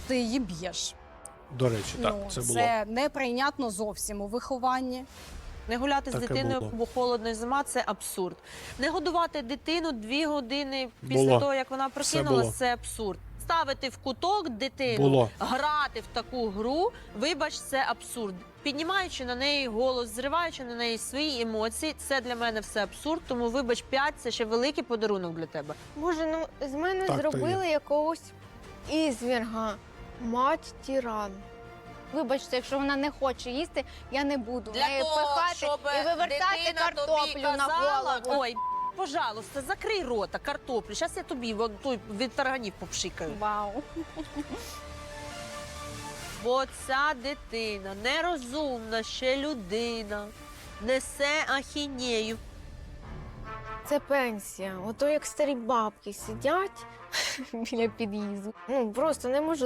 ти її б'єш. До речі, так, Ну, це було. це неприйнятно зовсім у вихованні. Не гуляти з Таке дитиною, було. бо холодно і зима – це абсурд. Не годувати дитину 2 години після Було. того, як вона Все прокинулась було. – це абсурд. Ставити в куток дитину, Було. грати в таку гру, вибач, це абсурд. Піднімаючи на неї голос, зриваючи на неї свої емоції, це для мене все абсурд, тому вибач, 5 – це ще великий подарунок для тебе. Боже, ну з мене Так, то зробили якогось ізвірга. Мать тиран. Вибачте, якщо вона не хоче їсти, я не буду неї пихати і вивертати картоплю на голову. Ой, пожалуйста, закрий рота, картоплю. Зараз я тобі той від тарганів попшикаю. Вау. Бо ця дитина нерозумна, ще людина, несе ахінею. Це пенсія. Ото як старі бабки сидять біля під'їзду. Ну просто не можу